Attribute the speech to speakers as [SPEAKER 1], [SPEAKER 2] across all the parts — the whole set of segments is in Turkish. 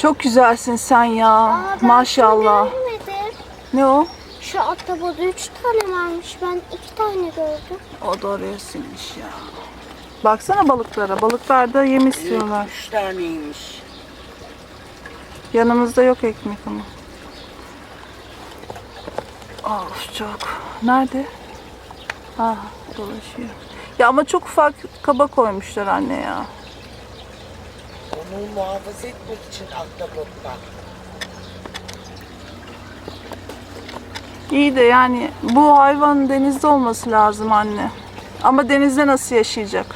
[SPEAKER 1] Çok güzelsin sen ya.
[SPEAKER 2] Ben
[SPEAKER 1] Maşallah.
[SPEAKER 2] görmedim.
[SPEAKER 1] Ne o?
[SPEAKER 2] Şu ahtapotu 3 tane varmış. Ben 2 tane gördüm.
[SPEAKER 1] O da oraya sinmiş ya. Baksana balıklara. Balıklar da yem istiyorlar.
[SPEAKER 3] 3 taneymiş.
[SPEAKER 1] Yanımızda yok ekmek ama. Of çok. Nerede? Ah dolaşıyor. Ya ama çok ufak kaba koymuşlar anne ya.
[SPEAKER 3] Onu muhafaza etmek için ahtapotlar.
[SPEAKER 1] İyi de yani bu hayvan denizde olması lazım anne. Ama denizde nasıl yaşayacak?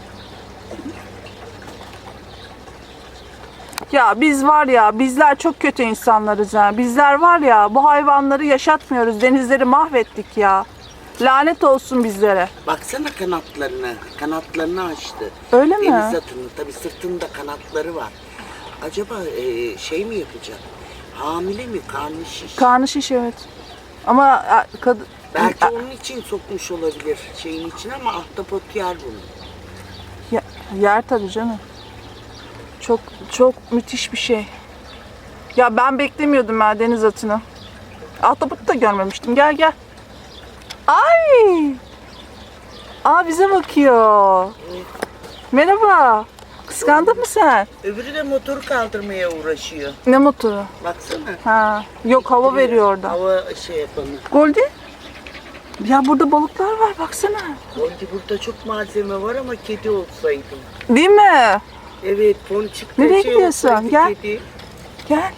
[SPEAKER 1] Ya biz var ya, bizler çok kötü insanlarız ha. Bizler var ya, bu hayvanları yaşatmıyoruz. Denizleri mahvettik ya. Lanet olsun bizlere.
[SPEAKER 3] Baksana kanatlarına. Kanatlarını açtı.
[SPEAKER 1] Öyle mi?
[SPEAKER 3] Deniz atının. Tabii sırtında kanatları var. Acaba şey mi yapacak? Hamile mi? Karnı şiş.
[SPEAKER 1] Karnı şiş evet. Ama
[SPEAKER 3] Belki onun için sokmuş olabilir şeyin içine ama ahtapot yer bunu.
[SPEAKER 1] yer tabii canım. Çok çok müthiş bir şey. Ya ben beklemiyordum ya deniz atını. Ahtapotu da görmemiştim. Gel gel. Ay! Aa bize bakıyor.
[SPEAKER 3] Evet.
[SPEAKER 1] Merhaba. Kıskandın mı sen?
[SPEAKER 3] Öbürü de motoru kaldırmaya uğraşıyor.
[SPEAKER 1] Ne motoru?
[SPEAKER 3] Baksana.
[SPEAKER 1] Ha, yok hava veriyor orada.
[SPEAKER 3] Hava şey yapanı.
[SPEAKER 1] Goldi? Ya burada balıklar var baksana.
[SPEAKER 3] Goldi burada çok malzeme var ama kedi olsaydım.
[SPEAKER 1] Değil mi?
[SPEAKER 3] Evet ponçik
[SPEAKER 1] Nereye
[SPEAKER 3] şey
[SPEAKER 1] gidiyorsun?
[SPEAKER 3] olsaydı
[SPEAKER 1] Gel.
[SPEAKER 3] kedi.
[SPEAKER 1] Gel.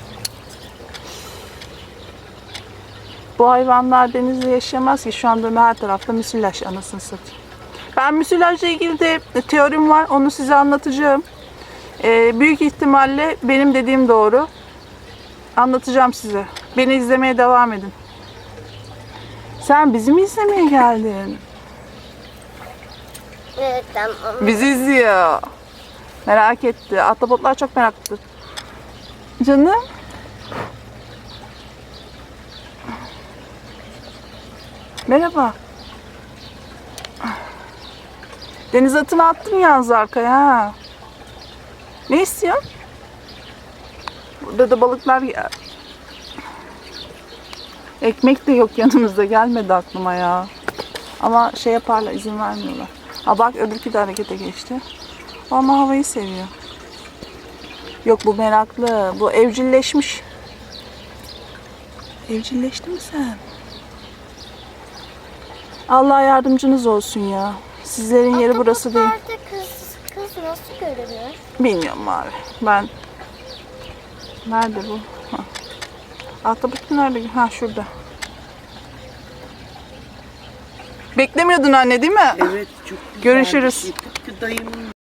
[SPEAKER 1] Bu hayvanlar denizde yaşayamaz ki. Şu anda her tarafta müsilaj anasını satayım. Ben müsilajla ilgili de teorim var. Onu size anlatacağım. Büyük ihtimalle benim dediğim doğru. Anlatacağım size. Beni izlemeye devam edin. Sen bizi mi izlemeye geldin?
[SPEAKER 2] Evet tamam.
[SPEAKER 1] Bizi izliyor. Merak etti. Ahtapotlar çok meraklı. Canım. Merhaba. Deniz atını attım yalnız arkaya ha. Ne istiyorsun? Burada da balıklar ya. Ekmek de yok yanımızda gelmedi aklıma ya. Ama şey yaparlar izin vermiyorlar. Ha bak öbürkü de harekete geçti. Ama havayı seviyor. Yok bu meraklı. Bu evcilleşmiş. Evcilleşti mi sen? Allah yardımcınız olsun ya. Sizlerin yeri burası değil.
[SPEAKER 2] Ahtapotlarda kız nasıl görünüyor?
[SPEAKER 1] Bilmiyorum abi. Ben... Nerede bu? Ha. Ahtapot nerede? Ha şurada. Beklemiyordun anne değil mi?
[SPEAKER 3] Evet çok güzel.
[SPEAKER 1] Görüşürüz.
[SPEAKER 3] Bir şey. Tıpkı dayımın